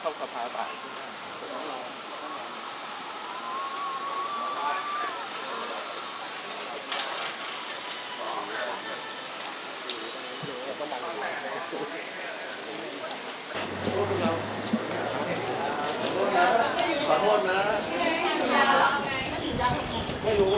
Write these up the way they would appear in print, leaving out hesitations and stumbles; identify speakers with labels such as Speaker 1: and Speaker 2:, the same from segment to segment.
Speaker 1: เข้าสภาบ่ายขอโทษนะไม่รู้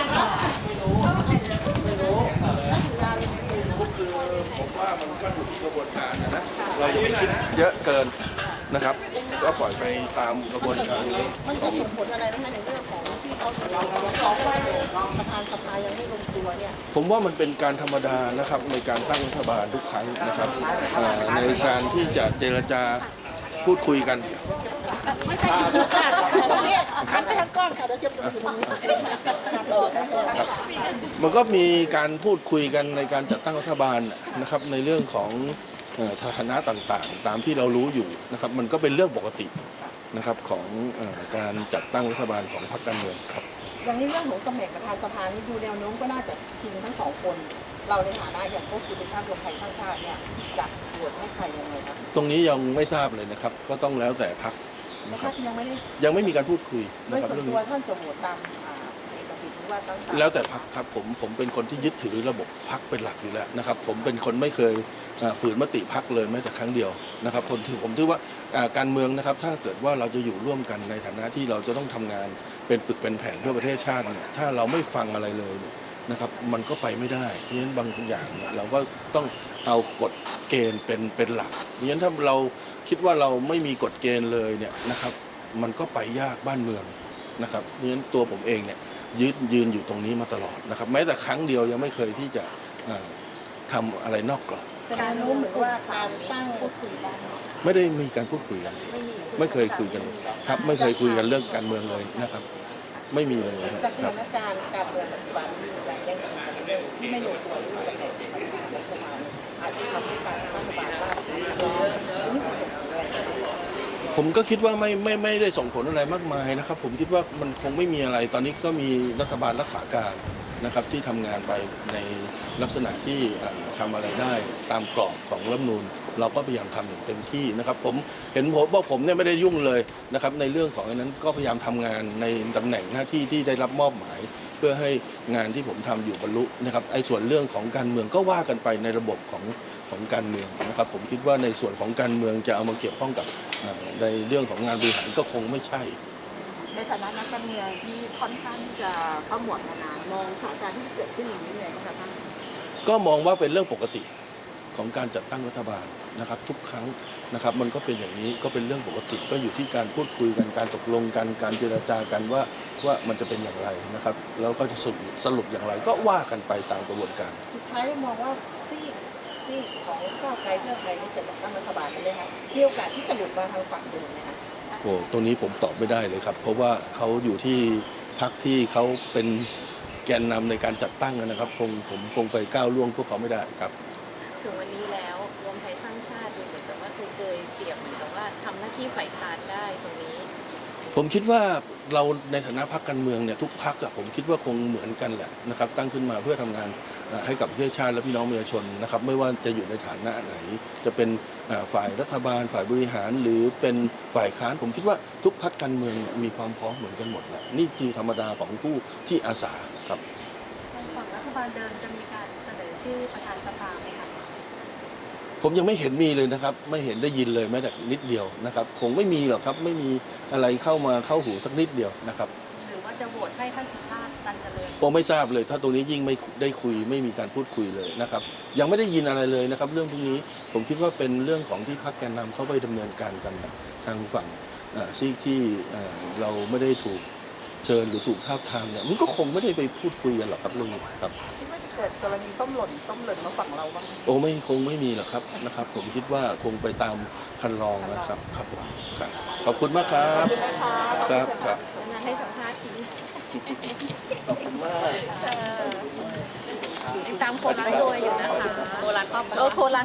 Speaker 1: ก็คือผมว่ามันก็อยู่ที่กระบวนการนะเราอย่าไปคิดเยอะเกินนะครับก็ปล่อยไปตามกระบวนการนี้
Speaker 2: มันจะส่งผลอะไรบ้างในเรื่องของที่เขาถึงประธานสภายังไม่ลงตัวเนี่ย
Speaker 1: ผมว่ามันเป็นการธรรมดานะครับในการตั้งรัฐบาลทุกครั้งนะครับในการที่จะเจรจาพูดคุยกัน
Speaker 2: ไม่ใช่คือการตรงนี้หันไปทางกล้องค่ะเดี๋ยวจะอยู่ตรงนี้
Speaker 1: มันก็มีการพูดคุยกันในการจัดตั้งรัฐบาลนะครับในเรื่องของสถานะต่างๆตามที่เรารู้อยู่นะครับมันก็เป็นเรื่องปกตินะครับของการจัดตั้งรัฐบาลของพรรคการเมืองครับ
Speaker 2: อย่างนี้เรื่องของตำแหน่งประธานสภานี่ดูแนวโน้มก็น่าจะชิงทั้งสองคนเราในฐานะอย่างพวกคุณเป็นชาติรวมไทยสร้างชาติเนี่ยจะโหวตให้ใครยังไงครับ
Speaker 1: ตรงนี้ยังไม่ทราบเลยนะครับก็ต้องแล้วแต่พรรคนะครับยังไม่มีการพูดคุย
Speaker 2: นะครับเรื่องนี้ท่านจะโหวตตามเอกสิทธิ์หรือว่าตั้ง
Speaker 1: แล้วแต่พรรคครับผมเป็นคนที่ยึดถือระบบพรรคเป็นหลักอยู่แล้วนะครับผมเป็นคนไม่เคยฝืนมติพรรคเลยแม้แต่ครั้งเดียวนะครับผมถือว่าการเมืองนะครับถ้าเกิดว่าเราจะอยู่ร่วมกันในฐานะที่เราจะต้องทำงานเป็นปึกเป็นแผ่นเพื่อประเทศชาติเนี่ยถ้าเราไม่ฟังอะไรเลยนะครับมันก็ไปไม่ได้เพราะฉะนั้นบางอย่างเราก็ต้องเอากฎเกณฑ์เป็นหลักเพราะฉะนั้นถ้าเราคิดว่าเราไม่มีกฎเกณฑ์เลยเนี่ยนะครับมันก็ไปยากบ้านเมืองนะครับเพราะฉะนั้นตัวผมเองเนี่ยยืนอยู่ตรงนี้มาตลอดนะครับแม้แต่ครั้งเดียวยังไม่เคยที่จะทำอะไรนอกกรอบ
Speaker 2: การรู้เหมือนว่าการตั้งพูดคุยกัน
Speaker 1: ไม่ได้มีการพูดคุยกันไม่เคยคุยกันครับไม่เคยคุยกันเรื่องการเมืองเลยนะครับไม่มีเลย
Speaker 2: จากสถานการณ์การเมืองปัจจุบันอย่างแย่งชิงกันเรื่องที่ไม่ลงตัวเรื่องตำแหน่งรัฐบาลอาจจะทำให้การตั้งรัฐบาลล่าสุดนี้จะส่งผลอะไร
Speaker 1: ผมก็คิดว่าไม่ได้ส่งผลอะไรมากมายนะครับผมคิดว่ามันคงไม่มีอะไรตอนนี้ก็มีรัฐบาลรักษาการนะครับที่ทำงานไปในลักษณะที่ทำอะไรได้ตามกรอบของรัฐธรรมนูญเราก็พยายามทำอย่างเต็มที่นะครับผมเห็นผมเนี่ยไม่ได้ยุ่งเลยนะครับในเรื่องของนั้นก็พยายามทำงานในตำแหน่งหน้าที่ที่ได้รับมอบหมายเพื่อให้งานที่ผมทำอยู่บรรลุนะครับไอ้ส่วนเรื่องของการเมืองก็ว่ากันไปในระบบของการเมืองนะครับผมคิดว่าในส่วนของการเมืองจะเอามาเกี่ยวข้องกับในเรื่องของงานบริหารก็คงไม่ใช่
Speaker 2: ในฐานะนักการเมืองที่ค่อนข้างจะเข้าหมวดนานๆมองสถานการณ์ที่เกิดขึ้นอย่างนี้ไงบ้างคะท่าน
Speaker 1: ก็มองว่าเป็นเรื่องปกติของการจัดตั้งรัฐบาลนะครับทุกครั้งนะครับมันก็เป็นอย่างนี้ก็เป็นเรื่องปกติก็อยู่ที่การพูดคุยกันการตกลงกันการเจรจากันว่ามันจะเป็นอย่างไรนะครับแล้วก็จะสรุปอย่างไรก็ว่ากันไปตามกระบวนการ
Speaker 2: สุดท้ายมองว่าซีกของก้าวไกลเพื่อไทยนี่จะจัดตั้งรัฐบาลได้ไหมคะมีโอกาสที่จะหลุดมาทางฝั่งเดิมไหมคะ
Speaker 1: โอ้ตรงนี้ผมตอบไม่ได้เลยครับเพราะว่าเขาอยู่ที่พรรคที่เขาเป็นแกนนำในการจัดตั้งนะครับผมคงไปก้าวล่วงพวกเขาไม่ได้ครับ
Speaker 3: ถึงวันนี้แล้วรวมไทยสร้างชาติดูเหมือนกับว่าเคยเปรียบเหมือนกับว่าทำหน้าที่ฝ่ายค้านได้ตรงนี้
Speaker 1: ผมคิดว่าเราในฐานะพรรคการเมืองเนี่ยทุกพรรคผมคิดว่าคงเหมือนกันแหละนะครับตั้งขึ้นมาเพื่อทำงานให้กับประเทศชาติและพี่น้องประชาชนนะครับไม่ว่าจะอยู่ในฐานะไหนจะเป็นฝ่ายรัฐบาลฝ่ายบริหารหรือเป็นฝ่ายค้านผมคิดว่าทุกพรรคการเมืองมีความพร้อมเหมือนกันหมดแหละนี่คือธรรมดาของผู้ที่อาสาครับ
Speaker 3: ฝั่งรัฐบาลเดิมจะมีการเสนอชื่อประธานสภาไหมคะ
Speaker 1: ผมยังไม่เห็นมีเลยนะครับไม่เห็นได้ยินเลยแม้แต่นิดเดียวนะครับคงไม่มีหรอกครับไม่มีอะไรเข้าหูสักนิดเดียวนะครับ
Speaker 3: หรือว่าจะโหวตให้ท่านสุชาติตันเจริญ
Speaker 1: ผมไม่ทราบเลยถ้าตรงนี้ยิ่งไม่ได้คุยไม่มีการพูดคุยเลยนะครับยังไม่ได้ยินอะไรเลยนะครับเรื่องพวกนี้ผมคิดว่าเป็นเรื่องของที่พรรคแกนนำเข้าไปดำเนินการกันทางฝั่งซีกที่เราไม่ได้ถูกเชิญหรือถูกทาบทามเนี่ยมันก็คงไม่ได้ไปพูดคุยกันหรอกครับเรื่องนี้ครับ
Speaker 2: เกิดกรณีส้มหล่นมาฝั่งเราบ้าง
Speaker 1: โอ้คงไม่มีหรอกครับนะครับผมคิดว่าคงไปตามคันลองนะครับครับผมครับขอบคุณมากครับครับ
Speaker 3: งานให้สัมภาษณ์จริง
Speaker 1: ขอบคุณมาก
Speaker 3: ตามโคราชโดยอยู่นะคะโคราช